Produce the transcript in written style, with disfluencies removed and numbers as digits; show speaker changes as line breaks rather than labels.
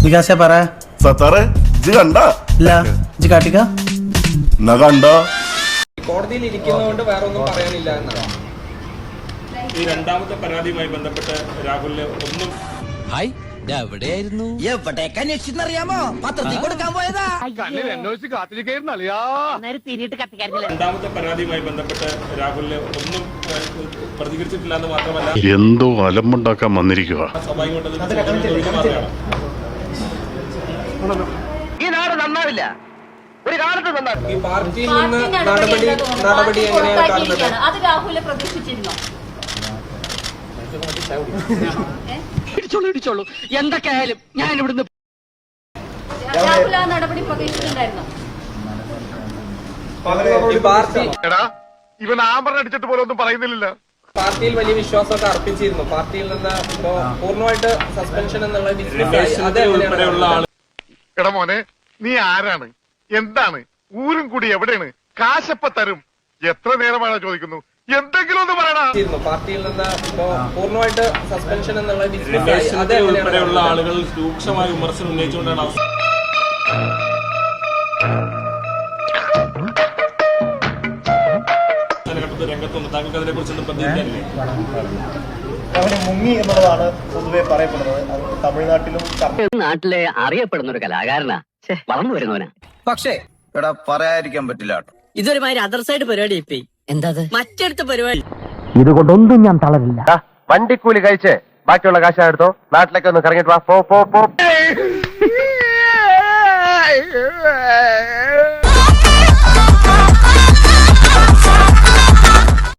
വികാസേ പറ.
സത്താറെ ഇജ്ജ് കണ്ട
ഇല്ല ഇജ്ജ് കാട്ടിക്ക
എന്നാ കണ്ട.
കോടതിയിൽ ഇരിക്കുന്നതുകൊണ്ട് വേറെ ഒന്നും പറയാനില്ല എന്നാണ്.
ഈ രണ്ടാമത്തെ പരാതിയുമായി ബന്ധപ്പെട്ട് രാഹുലിന് ഒന്നും
എവിടെയായിരുന്നു എവിടേക്ക് അന്വേഷിച്ചെന്നറിയാമോ? പത്രത്തിൽ കൊടുക്കാൻ പോയതാ.
രണ്ടാമത്തെ പരാതിയുമായി ബന്ധപ്പെട്ട് രാഹുലിന് ഒന്നും പ്രതികരിച്ചിട്ടില്ല എന്ന് മാത്രമല്ല
എന്തോ അലമ്പുണ്ടാക്കാൻ വന്നിരിക്കുക.
സ്വാഭാവികമായിട്ടും
ഈ നാട് നന്നാവില്ല, ഒരു കാലത്ത് നന്നാവില്ല.
ഈ പാർട്ടിയിൽ നിന്ന് നടപടി എങ്ങനെയാണ് കാണുന്നത്?
അത് രാഹുലെ പ്രതീക്ഷിച്ചിരുന്നോ?
ഇടിച്ചോളൂ എന്തൊക്കെ ആയാലും ഞാൻ ഇവിടുന്ന്
രാഹുൽ ആ നടപടി പ്രതീക്ഷിച്ചിട്ടുണ്ടായിരുന്നോ?
ഈ പാർട്ടി
ഇവൻ ആമ്പറടിച്ചിട്ട് പോലെ ഒന്നും പറയുന്നില്ല.
പാർട്ടിയിൽ വലിയ വിശ്വാസമൊക്കെ അർപ്പിച്ചിരുന്നു. പാർട്ടിയിൽ നിന്ന് ഇപ്പോ പൂർണ്ണമായിട്ട് സസ്പെൻഷൻ എന്നുള്ള
ഉൾപ്പെടെയുള്ള ആൾ
എടാ മോനെ, നീ ആരാണ്, എന്താണ്, ഊരും കൂടി എവിടെയാണ്, കാശപ്പ തരും, എത്ര നേരമാണ് ചോദിക്കുന്നു, എന്തെങ്കിലും ഒന്ന് പറയണ.
പാർട്ടിയിൽ നിന്ന് ഇപ്പോ പൂർണ്ണമായിട്ട് സസ്പെൻഷൻ എന്നുള്ള
ഉൾപ്പെടെയുള്ള ആളുകൾ രൂക്ഷമായ വിമർശനം ഉന്നയിച്ചുകൊണ്ടാണ് രംഗത്തുണ്ട്. താങ്കൾക്ക് അതിനെ കുറിച്ചൊന്നും പ്രതികരിക്കാനില്ലേ?
അവന് മുങ്ങി എന്നുള്ളതാണ് പൊതുവെ പറയപ്പെടുന്നത്. അത് തമിഴ്നാട്ടിലും
നാട്ടിലെ അറിയപ്പെടുന്ന ഒരു കലാകാരനാ, വളർന്നു വരുന്നവനാ.
പക്ഷേ എടാ പറയാതിരിക്കാൻ പറ്റില്ല കേട്ടോ,
ഇതൊരു മാതിരി അതർ സൈഡ് പരിപാടി. ഇപ്പൊ എന്താ മറ്റടുത്ത പരിപാടി.
ഇതുകൊണ്ടൊന്നും ഞാൻ തളരില്ല.
വണ്ടിക്കൂലി കഴിച്ച് ബാക്കിയുള്ള കാശ് എടുത്തോ, നാട്ടിലേക്ക് ഒന്ന് കറങ്ങിട്ട് വാ. പോ